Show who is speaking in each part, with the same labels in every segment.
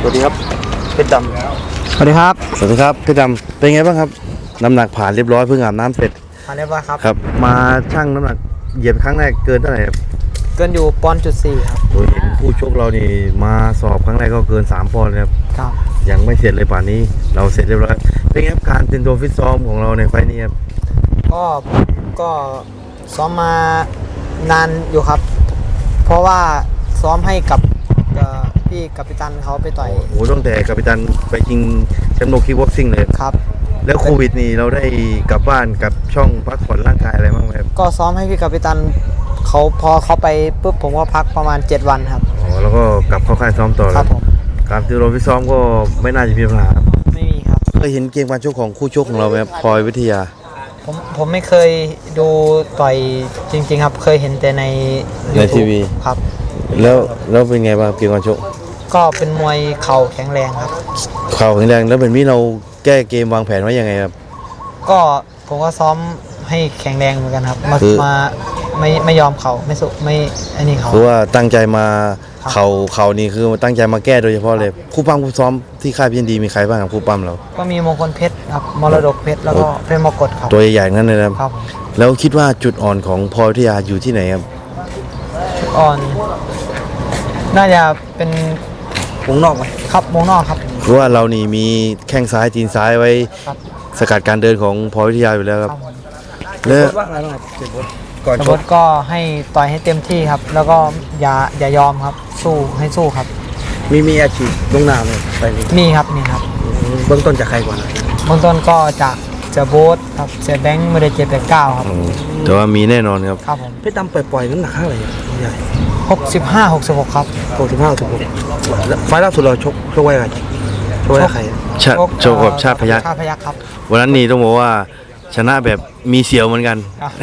Speaker 1: วัสดีครับเพชรด
Speaker 2: สวัสดีครับ
Speaker 1: ำสวัสดีครับเพชรดำเป็นไงบ้างครับน้ำหนักผ่านเรียบร้อยเพิ่งอาบน้ำเสร็จ
Speaker 2: ผ่านเรียบร้อยครับ
Speaker 1: ครับมาชั่งน้ำหนักเหยียบครั้งแรกเกินเท่าไหร่ครับ
Speaker 2: เกินอยู่1.4 ครับ
Speaker 1: โดยเห็นผู้ชกเรานี่มาสอบครั้งแรกก็เกิน3 ปอนด์ครับ
Speaker 2: ครับ
Speaker 1: ยังไม่เสร็จเลยป่านนี้เราเสร็จเรียบร้อยเป็นไงครับการเตรียมตัวฟิตซ้อมของเราในไฟล์นี้ครับ
Speaker 2: ก็ซ้อมมานานอยู่ครับเพราะว่าซ้อมให้กับพี่กัปตันเขาไปต่อย
Speaker 1: โอ้ตั้งแต่กัปตันไปชิงแชมป์โลกคิกบ็อกซิ่งเลย
Speaker 2: ครับ
Speaker 1: แล้วโควิดนี่เราได้กลับบ้านกับช่องพักผ่อนร่างกายอะไรบ้างไหมครับ
Speaker 2: ก็ซ้อมให้พี่กัปตันเขาพอเขาไปปุ๊บผมก็พักประมาณ7 วันครับ
Speaker 1: อ๋อแล้วก็กลับเข้าค่ายซ้อมต่อ
Speaker 2: ครับผม
Speaker 1: การเตรียมตัวฟิตซ้อมก็ไม่น่าจะมีปัญหา
Speaker 2: ไม่มีครับ
Speaker 1: เคยเห็นเกมการชกของคู่ชกของเราไหมครับพลอยวิทยา
Speaker 2: ผมไม่เคยดูต่อยจริงๆครับเคยเห็นแต่ใน
Speaker 1: ทีวี
Speaker 2: ครับ
Speaker 1: แล้วเป็นไงบ้างเกมการชก
Speaker 2: ก็เป็นมวยเข่าแข็งแรงครับ
Speaker 1: เข่าแข็งแรงแล้วเป็นนี้เราแก้เกมวางแผนไว้ยังไงครับ
Speaker 2: ก็ผมก็ซ้อมให้แข็งแรงเหมือนกันครับมาไม่ยอมเข่าไม่สุไม่อันนี้เขา
Speaker 1: คือว่าตั้งใจมาเข่านี่คือตั้งใจมาแก้โดยเฉพาะเลยคู่ปั้มคู่ซ้อมที่ค่ายพีเอ็นดีมีใครบ้างครับคู่ปั้มเรา
Speaker 2: ก็มีมงคลเพชรครับมรดกเพชรแล้วก็เพชรมรกตครับ
Speaker 1: ตัวใหญ่ๆนั่นเลยครับแล้วคิดว่าจุดอ่อนของพลอยวิทยาอยู่ที่ไหนครับ
Speaker 2: จุดอ่อนน่าจะเป็น
Speaker 1: วงนอกไหม
Speaker 2: ครับวงนอกครับ
Speaker 1: คือว่าเรานี่มีแข้งซ้ายตีนซ้ายไว้สกัดการเดินของพลอยวิทยาอยู่แล้วครับแล้ว
Speaker 2: ก่อนชกก็ให้ต่อยให้เต็มที่ครับแล้วก็อย่ายอมครับสู้ครับ
Speaker 1: มีอาชีพลงนามเลยไป
Speaker 2: มีครับ
Speaker 1: เบื้องต้นจากใครก่อน
Speaker 2: เบื้องต้นก็จากเจโบ๊ทครับเจแบงค์ไม่ได้789ครับ
Speaker 1: แต่ว่ามีแน่นอนครับ
Speaker 2: ครับผม
Speaker 1: เพชรดำปล่อยน้ำหนักเท่าไหร่ใหญ่
Speaker 2: 65-66ครับ
Speaker 1: ไฟล์ล่าสุดเราชกไว้อะไรชกไว้ใครโชว์กับชาติพยัคฆ์
Speaker 2: ครับ
Speaker 1: วันนั้นนี่ต้องบอกว่าชนะแบบมีเสียวเหมือนกัน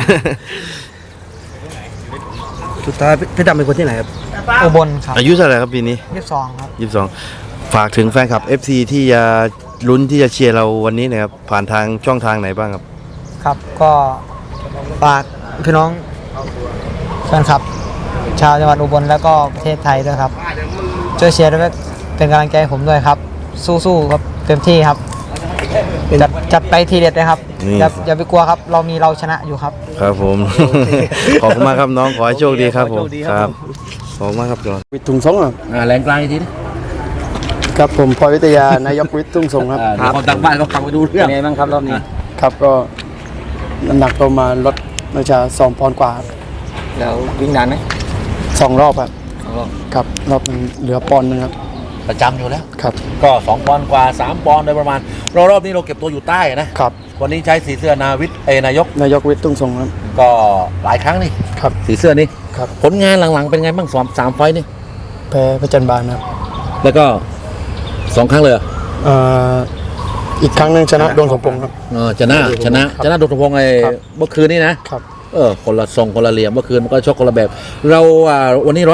Speaker 1: สุดท้ายเพชรดำเป็นคนที่ไหนครับ
Speaker 2: อุบลครับ
Speaker 1: อายุเท่าไหร่ครับปีนี้
Speaker 2: 22ครับ
Speaker 1: 22ฝากถึงแฟนคลับ FC ที่จะลุ้นที่จะเชียร์เราวันนี้นะครับผ่านทางช่องทางไหนบ้างครับ
Speaker 2: ครับก็ฝากพี่น้องแฟนคลับชาวจังหวัดอุบลแล้วก็ประเทศไทยด้วยครับช่วยเชียร์ด้วยเป็นกำลังใจให้ผมด้วยครับสู้ๆครับเต็มที่ครับจัดไปทีเด็ดเลยครับอย่าไปกลัวครับเราชนะอยู่ครับ
Speaker 1: ครับผม ขอบคุณมากครับน้องขอให้โชคดีครับผมครับขอบคุณมากครับจอ
Speaker 3: วิทย์ทุ่งสงครับ
Speaker 4: แรงกลางอีกที
Speaker 3: ครับผมพลอยวิทยานายกวิทย์ทุ่งสงครับ
Speaker 4: เขาตั้งบ้านเขาฟังไปดูเรื่อง
Speaker 2: ไงบ้างครับรอบนี้
Speaker 3: ครับก็น้ำหนักตัวมาลดน่าจะ2 ปอนด์กว่า
Speaker 2: แล้ววิ่งนานไหม
Speaker 3: 2 รอบครับรอบนึงเหลือปอนด์นึงครับ
Speaker 4: ประจำอยู่แล้ว
Speaker 3: ครับ
Speaker 4: ก็2 ปอนด์กว่า3 ปอนด์โดยประมาณรอบนี้เราเก็บตัวอยู่ใต้นะครับวันนี้ใช้สีเสื้อนายก
Speaker 3: วิทย์ทุ่งสงครับ
Speaker 4: ก็หลายครั้งนี่
Speaker 3: ครับ
Speaker 4: สีเสื้อนี่
Speaker 3: ครับ
Speaker 4: ผลงานหลังๆเป็นไงบ้าง3 ไฟล์นี่
Speaker 3: แพ้พระจันทร์บานครับ
Speaker 4: แล้วก็2 ครั้งเลย
Speaker 3: อีกครั้งนึงชนะโดนสมพงษ์ครับ
Speaker 4: ชนะโดนสมพงษ์เมื่อคืนนี้นะครับคนละทรงคนละเหลี่ยมเมื่อคืนมันก็ชกคนละแบบเราวันนี้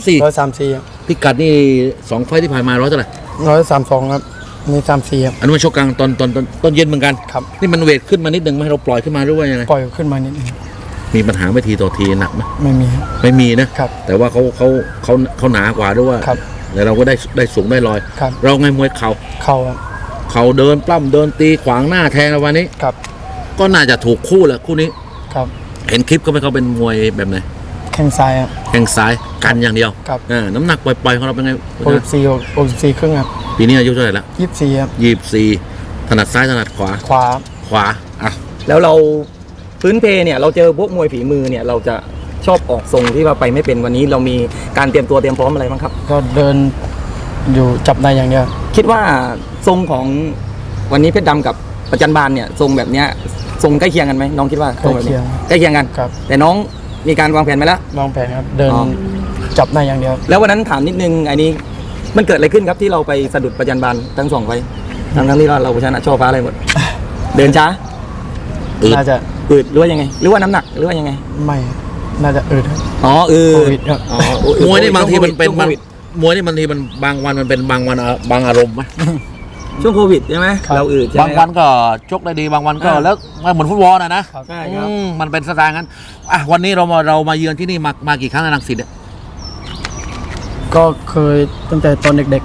Speaker 4: 134พิกัดนี่2 ไฟล์ที่ผ่านมาเท่าไหร่
Speaker 3: 132ครับมี34ครับ
Speaker 4: อันนี้มันชกกลางตอนเย็นเหมือนกัน
Speaker 3: ครับ
Speaker 4: นี่มันเวทขึ้นมานิดนึงไหมเราปล่อยขึ้นมาหรือว่ายังไง
Speaker 3: ปล่อยขึ้นมานิดนึง
Speaker 4: มีปัญหาไม่ทีต่อทีหนักไหม
Speaker 3: ไม่มี
Speaker 4: นะครับแต่ว่าเขาหนากว่าด้วยว่าแต่เราก็ได้สูงได้ลอยเราไงมวยเขาเดินปล้ำเดินตีขวางหน้าแทงวันนี้ก็น่าจะถูกคู่แหละคู่นี้เห็นคลิปก็ไม่เขาเป็นมวยแบบไหน
Speaker 3: แข้งซ้ายครับ
Speaker 4: แข้งซ้ายกันอย่างเดียวน้ำหนักปล่อยของเราเป็นไง
Speaker 3: 64ครึ่งครับ
Speaker 4: ปีนี้อายุเท่าไหร่ละ
Speaker 3: 24ครับ
Speaker 4: 24ถนัดซ้ายถนัดขวา
Speaker 5: อ่ะแล้วเราพื้นเพเนี่ยเราเจอพวกมวยฝีมือเนี่ยเราจะชอบออกทรงที่ว่าไปไม่เป็นวันนี้เรามีการเตรียมตัวเตรียมพร้อมอะไรบ้างครับ
Speaker 3: ก็เดินอยู่จับได้อย่างเดียว
Speaker 5: คิดว่าทรงของวันนี้เพชรดำกับประจันบานเนี่ยทรงแบบเนี้ยทรงใกล้เคียงกันไหมน้องคิดว่า
Speaker 3: ใกล้เ
Speaker 5: คียงกันแต่น้องมีการวางแผนไหมล่ะ
Speaker 3: วางแผนครับเดินจับได้อย่างเดียว
Speaker 5: แล้ววันนั้นถามนิดนึงอันนี้มันเกิดอะไรขึ้นครับที่เราไปสะดุดประจันบานทั้ง2 ไฟทั้งที่เราชนะช่อฟ้าอะไรหมดเดินช้า
Speaker 3: น่าจะ
Speaker 5: อืดหรือว่ายังไงหรือว่าน้ำหนักหรือว่ายังไง
Speaker 3: ไม่น่าจะอืด
Speaker 4: มวยนี่บางทีมันเป็นมวยนี่บางทีมันบางวันมันเป็นบางวันบางอารมณ์ไหม
Speaker 5: ช่วงโควิดใช่ไหมเราอืด
Speaker 4: บางวันก็ชกได้ดีบางวันก็แล้วเหมือนฟุตบอลนะ
Speaker 5: ใช่ครับ
Speaker 4: มันเป็นสไตล์งั้นวันนี้เรามาเยือนที่นี่มากี่ครั้งในรังสิตเนี่ย
Speaker 3: ก็เคยตั้งแต่ตอนเด็กๆนะ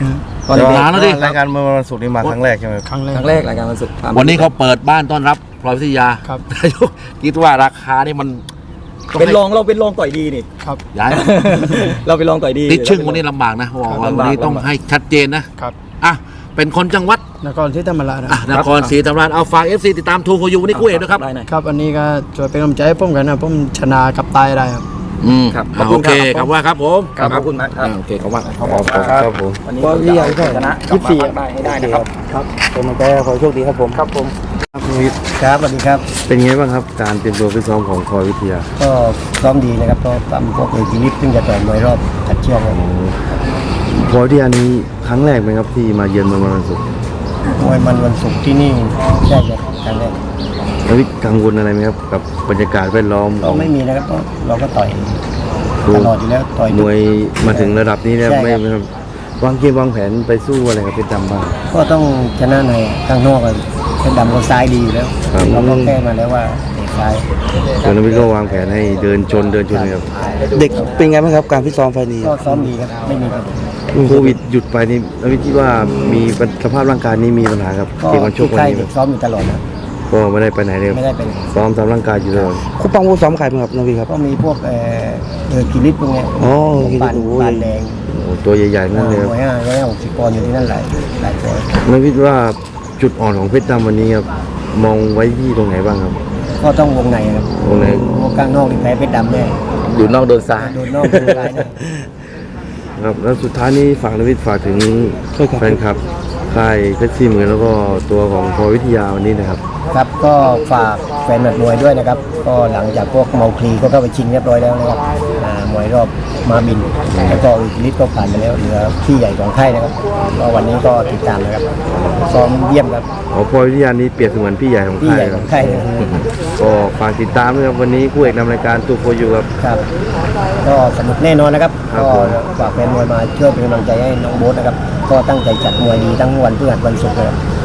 Speaker 5: ตอนเด็ก
Speaker 4: นานแล้วดิ
Speaker 1: รายการเมื่อวันศุกร์นี้มาครั้งแรกใช่ไหม
Speaker 3: ครั้งแร
Speaker 5: ๆค
Speaker 3: ก
Speaker 5: รั้งแรกรายการวันศุกร์
Speaker 4: วันนี้เขาเปิดบ้านต้อนรับพลอยวิทยา
Speaker 3: ครับ
Speaker 4: นายกคิดว่าราคานี่มัน
Speaker 5: เป็นรองเราเป็นรองต่อยดีนี่
Speaker 3: ครับ
Speaker 4: ย้าย
Speaker 5: เราเป็นรองต่อยดี
Speaker 4: ติดชึ่งวันนี้ลำบากนะบอกว่าวันนี้ต้องให้ชัดเจนนะครับ อ่ะเป็นคนจังหวัด
Speaker 3: นครที่ธรรมราชนะ
Speaker 4: อ่ะนครศรีธรรมราชเอาฝาก FC ติดตามทูโคยูวันนี้คู่เอกด้วยครับ
Speaker 5: ได้หน่อย
Speaker 3: ครับอันนี้ก็ช่วยเป็นกำลังใจให้ผมกันนะผมชนะกับตายได้ครับ
Speaker 5: ครับ
Speaker 4: โอเคครับว่าครับผม
Speaker 5: ครับขอบคุณมากครับ
Speaker 4: โอเคขอบคุณมาก
Speaker 1: ครับผม
Speaker 5: วันนี้ก็จะเอาชัยชนะกลับมาฝากได้ให้ได้นะครับ
Speaker 3: ครับเป็นกำลังใจขอโชคดีครับผมครับผม
Speaker 2: ครับสวัสดีครับ
Speaker 1: เป็นไงบ้างครับการเตรียมตัวฟิตซ้อมของพลอยวิทยา
Speaker 2: ก็ซ้อมดีนะครับก็ทำพวกเอทีลิฟซึ่งจะต่อยมวยรอบตัดเชือกครับ
Speaker 1: พลอยวิทยานี้ครั้งแรกไหมครับที่มาเยือนเมืองวันศุกร์
Speaker 2: มวยมันวันศุกร์ที่นี่ใช่ครับครั้งแรก
Speaker 1: แล้ววิทย์กังวลอะไรไหมครับกับบรรยากาศแวดล้อม
Speaker 2: ก็ไม่มีนะครับก็เราก็ต่อย
Speaker 1: ดู
Speaker 2: ตลอดอยู่แล้วต่อย
Speaker 1: มวยมาถึงระดับนี้แล้ว
Speaker 2: ใช่ครับ
Speaker 1: ไม่ครับวางเกมวางแผนไปสู้อะไรกับเพชรดำบ้าง
Speaker 2: ก็ต้องชนะในข้างนอกกันเป็นดำก็ซ้ายดีอยู่แล้ว
Speaker 1: ครับ
Speaker 2: เราก็แก้มาแล้วว่าเด็กซ้าย
Speaker 1: ส่วนนวิทย์ก็วางแผนให้เดินชนครับ
Speaker 3: เด็กเป็นไงบ้างครับการพิซ้อมไฟนี้
Speaker 2: ก็ซ้อมดีครับไม่มีปัญหา
Speaker 1: โควิดหยุดไปนี่นวิทย์คิดว่ามีสภาพร่างกายนี้มีปัญหากับ
Speaker 2: ก็
Speaker 1: เกมวันชก
Speaker 2: ที่
Speaker 1: วัน
Speaker 2: ค่าย
Speaker 1: นี้ไหม
Speaker 2: เด็กซ้อมอยู่ตลอดนะ
Speaker 1: ก็ไม่ได้ไปไหนเลย
Speaker 2: ไม่ได้เป็น
Speaker 1: ซ้อมตามร่างกายอยู่ตลอด
Speaker 3: คู่ปังคู่ซ้อมใครบ้างครับนวีครับ
Speaker 2: ก็มีพวกกิริตพวกเนี้ย
Speaker 3: อ๋อ
Speaker 2: ปานปานแดง
Speaker 1: โอ้ตัวใหญ่ๆนั่นเลยครับ
Speaker 2: 160 ปอนด์อยู่ที่นั่นหลายตัว
Speaker 1: นวิทย์ว่าจุดอ่อนของเพชรดำวันนี้ครับมองไว้ที่ตรงไหนบ้างครับ
Speaker 2: ก็ต้องวงในครับ
Speaker 1: วงใน
Speaker 2: วงกลางนอกนี่แพ้เพชรดำแน่
Speaker 5: อยู่นอกโดนซ้าย
Speaker 2: โดนนอกโดนซ้ายแน่
Speaker 1: ครับแล้วสุดท้ายนี้ฝากนวิทย์ฝากถึงแฟนคลับค่ายเพชรซีเหมือนแล้วก็ตัวของพลอยวิทยาวันนี้นะครับ
Speaker 2: ครับก็ฝากแฟนหมัดมวยด้วยนะครับ ก็หลังจากพวกเมาคลีก็เข้าไปชิงเรียบร้อยแล้วนะครับมวยรอบมาบิน แล้วก็อิลิทก็ผ่านไปแล้วเหลือพี่ใหญ่ของค่ายนะครับก็วันนี้ก็ติดตามนะครับซ้อมเยี่ยมครับ
Speaker 1: อ๋อพลอยวิทยานี้เปรียบเสมือนพี่ใหญ่ของ
Speaker 2: พี่
Speaker 1: ค่า
Speaker 2: ให
Speaker 1: ย
Speaker 2: ญ่
Speaker 1: ค
Speaker 2: ข
Speaker 1: รั
Speaker 2: อบ งค่ายนะครับ
Speaker 1: ก็ฝากติดตามด้วยครับวันนี้คู่เอกนำรายการตูโคยูครับ
Speaker 2: ครับก็สนุกแน่นอนนะครับ
Speaker 1: ครับ
Speaker 2: ก็
Speaker 1: ผม
Speaker 2: ฝากแฟนมวยมาช่วยเป็นกำลังใจให้น้องโบ๊ทนะครับก็ตั้งใจจัดมวยดีทั้งวันพฤหัสวันศุกร์เลยครับ